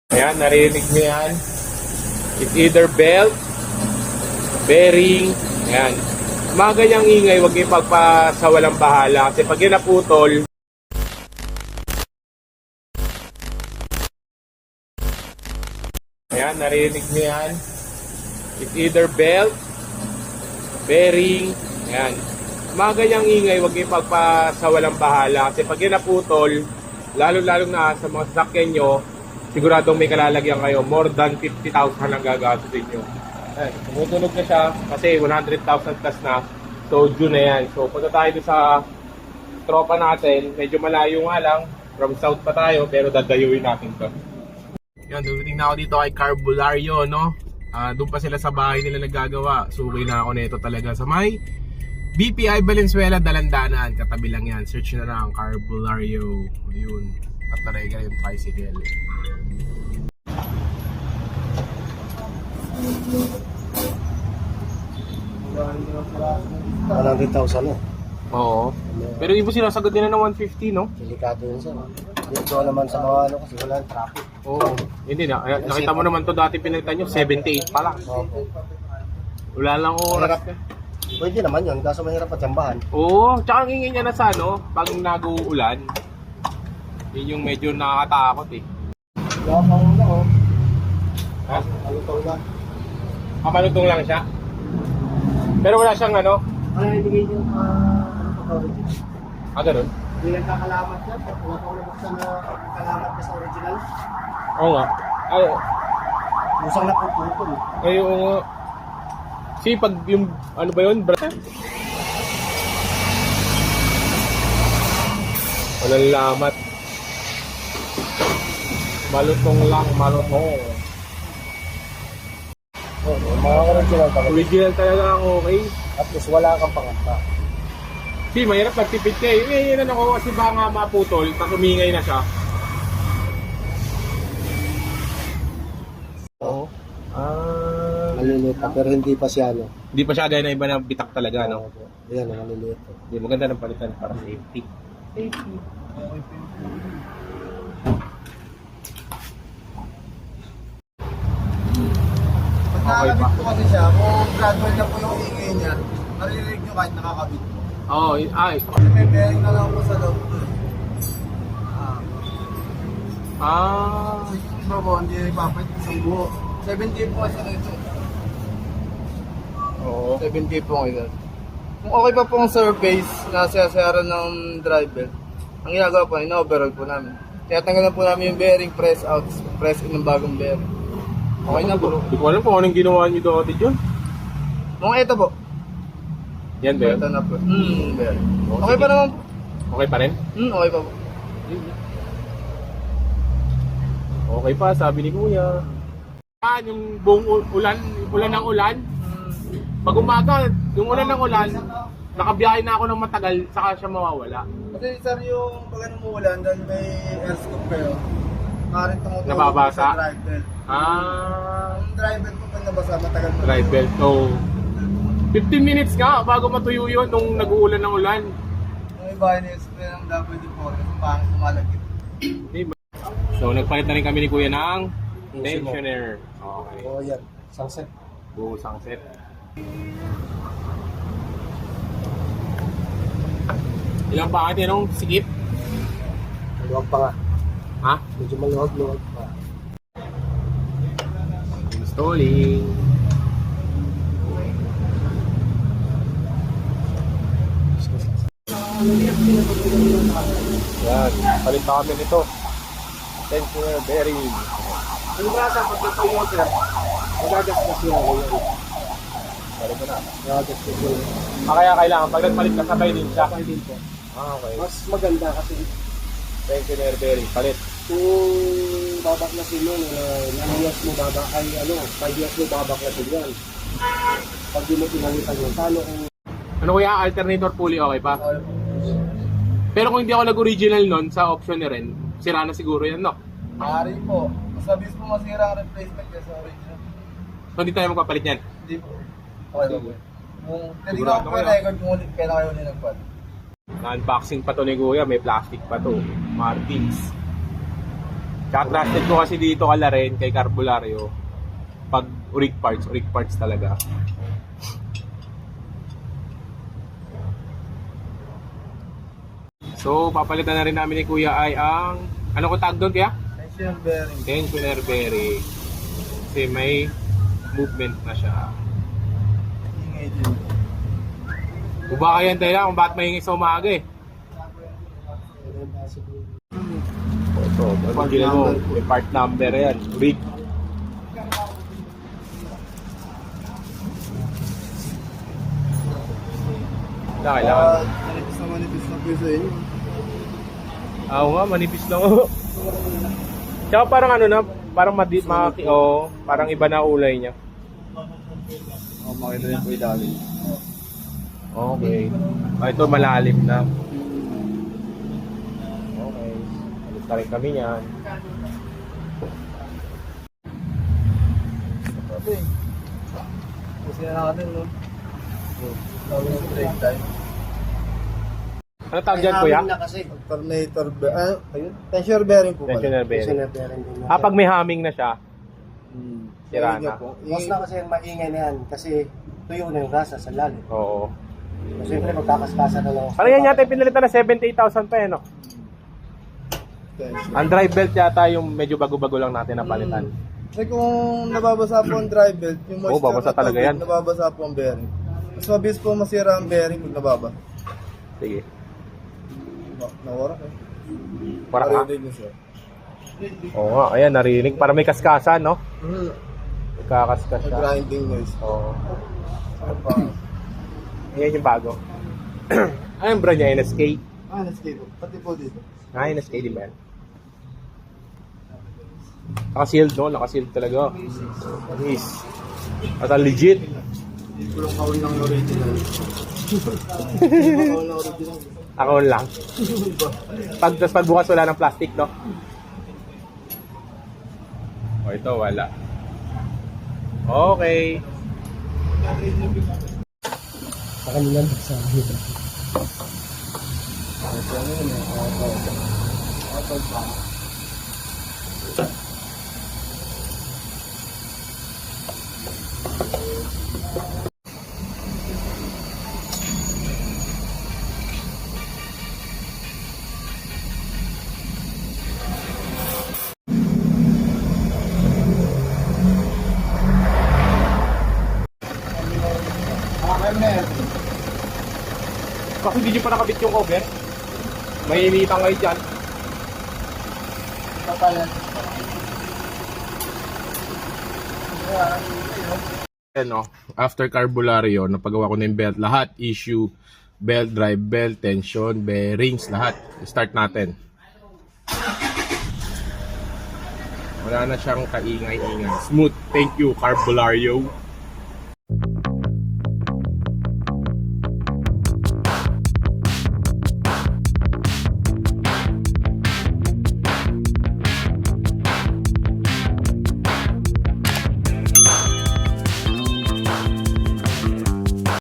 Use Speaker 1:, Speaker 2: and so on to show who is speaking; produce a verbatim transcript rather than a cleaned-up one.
Speaker 1: Ayan, narinig nyo yan. It's either belt, bearing, ayan. Mga ganyang ingay, huwag yung pagpasawalang bahala. Kasi pag yan naputol, ayan, narinig nyo yan. It's either belt, bearing, ayan. Mga ganyang ingay, huwag yung pagpasawalang bahala. Kasi pag yan naputol, lalo-lalo na sa mga sasakyan nyo, siguradong may kalalagyan kayo, more than fifty thousand ang gagastusin nyo. Ayan, tumutunog na siya kasi one hundred thousand plus na. So, June na yan. So, punta tayo sa tropa natin. Medyo malayo nga lang. From south pa tayo, pero dadayuin natin to. Yan, dumating na ako dito kay Carbulario, no? Uh, doon pa sila sa bahay nila naggagawa. So, okay na ako nito talaga sa may B P I Valenzuela, Dalandanan. Katabi lang yan. Search na lang, Carbulario. Ayun. At talaga yung tricycle.
Speaker 2: one hundred thousand eh.
Speaker 1: Oo. Pero ibo sinasagot nila ng one fifty, no?
Speaker 2: Delikado yun sir. Dito naman sa mga ano kasi wala yung traffic.
Speaker 1: Oo. Hindi na. Nakita mo naman to dati pinalitan nyo, seventy-eight pa lang.
Speaker 2: Okay.
Speaker 1: Wala lang oras.
Speaker 2: Pwede naman yun, kaso mahirap patsambahan.
Speaker 1: Oo. Tsaka ang ingin niya na sa ano, pag nag-uulan, yun yung medyo nakakatakot eh.
Speaker 2: Wala pang ano oh.
Speaker 1: Ha?
Speaker 2: Malutong na.
Speaker 1: Ah, malutong lang siya? Pero wala siyang ano?
Speaker 2: Ano ibigay yung uh, ano pa original?
Speaker 1: Ah, ganun?
Speaker 2: Hindi lang kakalamat yan. Wala pa ulit buksan na kakalamat ka sa original.
Speaker 1: Oo nga. Ay,
Speaker 2: Musang na puputol.
Speaker 1: ay oo nga. Si pag yung, ano ba yun? Bra- Walang lamat. Malutong lang, malutong.
Speaker 2: Oh, yung mga original talaga.
Speaker 1: Original talaga ang okay.
Speaker 2: At least wala kang pangamba.
Speaker 1: Si, mahirap magtipid kayo. Eh, yun ako kasi baka nga maputol, tapos umingay na siya. Oo. Ah.
Speaker 2: Maliliit pa, pero hindi pa siya ano.
Speaker 1: Hindi pa siya gaya na iba na bitak talaga, no?
Speaker 2: Oo, Ayan, maliliit.
Speaker 1: Hindi, maganda ng palitan para safety. Safety.
Speaker 3: Pag nakakabit po kasi siya, kung gradual na po yung ingay niya, maririnig nyo kahit nakakabit po.
Speaker 1: Oo, oh, ay.
Speaker 3: Kasi may bearing na lang po sa loob ko. Ah.
Speaker 1: Ah.
Speaker 3: Kasi yung iba po, hindi ipapait isang buo. seventy po kasi ito.
Speaker 1: Oo.
Speaker 3: seventy po ngayon. Kung okay pa po ang surface na sasara ng driver, ang ginagawa po, ina-overhaul po namin. Kaya tanggalan po namin yung bearing, press out, press in ng bagong bearing. Okay na po.
Speaker 1: Hindi ko alam kung anong ginawa niyo dati dyan.
Speaker 3: Mga ito po.
Speaker 1: Yan ba yun?
Speaker 3: Ito na po. Hmm, bearing.
Speaker 1: Oh,
Speaker 3: Okay
Speaker 1: sige.
Speaker 3: pa naman po.
Speaker 1: Okay pa rin?
Speaker 3: Hmm, okay pa po.
Speaker 1: Okay pa, sabi ni Kuya. Ah, yung buong u- ulan, ulan ng ulan. Pag umaga, yung ulan ng ulan, nakabiyahe na ako ng matagal, saka siya mawawala.
Speaker 3: Kasi sir, yung pag ano umuulan, dahil may air scoop kayo, maaaring tumutulog
Speaker 1: Nababasa?
Speaker 3: sa drive belt.
Speaker 1: Ah,
Speaker 3: Ang drive belt po pag nabasa, matagal po.
Speaker 1: drive belt. So, fifteen minutes nga bago matuyo yun nung nag-uulan ng ulan.
Speaker 3: Yung iba, ini-spray ng W D four, kasi pangit kumalagit.
Speaker 1: So, nagpalit na rin kami ni Kuya ng
Speaker 2: Tensioner.
Speaker 1: tensioner. Okay.
Speaker 2: Oo, yan. Sunset.
Speaker 1: Buo sang set. Ilang bakit yan nung sikip?
Speaker 2: Maluwag pa nga.
Speaker 1: Ha?
Speaker 2: Medyo maluwag-luwag pa.
Speaker 1: Installing. Yan, palit na kami nito. Tensioner bearing.
Speaker 2: Ano ba sa pagkakaw mo sir? Magagastos yun ako yun.
Speaker 1: Palit ko na.
Speaker 2: Magagastos yun.
Speaker 1: Ah, kaya kailangan pag nagpalit ka sabay din siya.
Speaker 2: Sabay din po.
Speaker 1: Ah, okay.
Speaker 2: Mas maganda kasi
Speaker 1: Tensioner bearing, palit.
Speaker 2: kung babaklasin mo, uh, nine years mo babak, ay ano, five years mo babaklasin yan. Pag di mo pinangitan yun, paano kung
Speaker 1: Ano kuya, alternator pulley okay pa? Pero kung hindi ako nag-original nun sa option ni Ren, sira na siguro yan, no?
Speaker 3: Maaari po. Basta bis po masira ang replacement niya sa original.
Speaker 1: So hindi tayo magpapalit yan.
Speaker 3: Hindi po. Okay lang po. Kung tinignan
Speaker 1: Sigurado
Speaker 3: ko po yung
Speaker 1: kayo?
Speaker 3: record kung ulit kailan kayo ulit nagpalit.
Speaker 1: Na-unboxing pa to ni Kuya, may plastic pa to. Martins. Tsaka trusted ko kasi dito kala rin kay Carbulario. Pag rig parts, rig parts talaga. So, papalitan na rin namin ni Kuya ay ang... Ano ko tag doon, Kuya?
Speaker 3: Tension bearing.
Speaker 1: Tensioner bearing. Kasi may movement na siya.
Speaker 3: Ingay din.
Speaker 1: O baka yan tayo lang kung bakit mahingi sa umaga eh. Ito, ano gila mo? May part number yan. Rig. Na kailangan.
Speaker 3: Ah, manipis na manipis na po sa inyo.
Speaker 1: Ah, oo nga, manipis lang. Tsaka parang ano na, parang madi, maki, oh, parang iba na ulay niya.
Speaker 3: Oh, makita rin po ilalim.
Speaker 1: Okay. Ah, ito malalim na. Okay. Alis na rin kami niyan.
Speaker 3: Sabi. Kasi na natin, no? Sabi ng break time.
Speaker 1: Ano tawag dyan, Kuya?
Speaker 2: na kasi.
Speaker 3: Alternator bearing. Ah, ayun. Tensioner bearing po pala.
Speaker 1: Tensioner bearing.
Speaker 2: Tensioner bearing din.
Speaker 1: Ah, pag may humming na siya,
Speaker 3: Hmm.
Speaker 1: Sira
Speaker 3: Ingay
Speaker 1: na.
Speaker 3: po.
Speaker 2: Mas na kasi yung maingay na yan kasi tuyo na yung rasa sa lalim.
Speaker 1: oo.
Speaker 2: So, siyempre magkakaskasa na lang.
Speaker 1: Parang yan yata yung pinalitan na seventy-eight thousand pa eh, no?
Speaker 3: Tension.
Speaker 1: Ang drive belt yata yung medyo bago-bago lang natin na palitan.
Speaker 3: Kasi kung nababasa po ang drive belt, yung moisture
Speaker 1: Oo, babasa
Speaker 3: na
Speaker 1: talaga
Speaker 3: tubig,
Speaker 1: yan.
Speaker 3: nababasa po ang bearing. Mas mabilis po masira ang bearing pag nababa.
Speaker 1: Sige.
Speaker 3: Na- Nawara eh.
Speaker 1: Para ka.
Speaker 3: Narinig niyo, sir.
Speaker 1: Oo nga, ayan, narinig. Para may kaskasan, no?
Speaker 3: Hmm.
Speaker 1: Kakaskas siya.
Speaker 3: Grinding noise.
Speaker 1: Oo.
Speaker 3: Ano pa?
Speaker 1: Ayan yung bago. Ayun bro niya, N S K.
Speaker 3: Ah, let's go. Pati po dito.
Speaker 1: Ah, N S K din ba yan? Naka-sealed, no? Naka-sealed talaga. Yes. At ang legit.
Speaker 3: Kulong kaon ng original. Kaon ng original.
Speaker 1: Ako lang. Pag, tas pagbukas wala ng plastic, no? O, ito wala. Okay.
Speaker 2: Sa kanila nagsabi.
Speaker 1: Kasi hindi nyo pa nakabit yung cover. May initang kayo dyan. Ano, after Carbulario, napagawa ko na yung belt. Lahat, issue, belt, drive belt, tension, bearings, lahat. Start natin. Wala na siyang kaingay-ingay. Smooth. Thank you, Carbulario.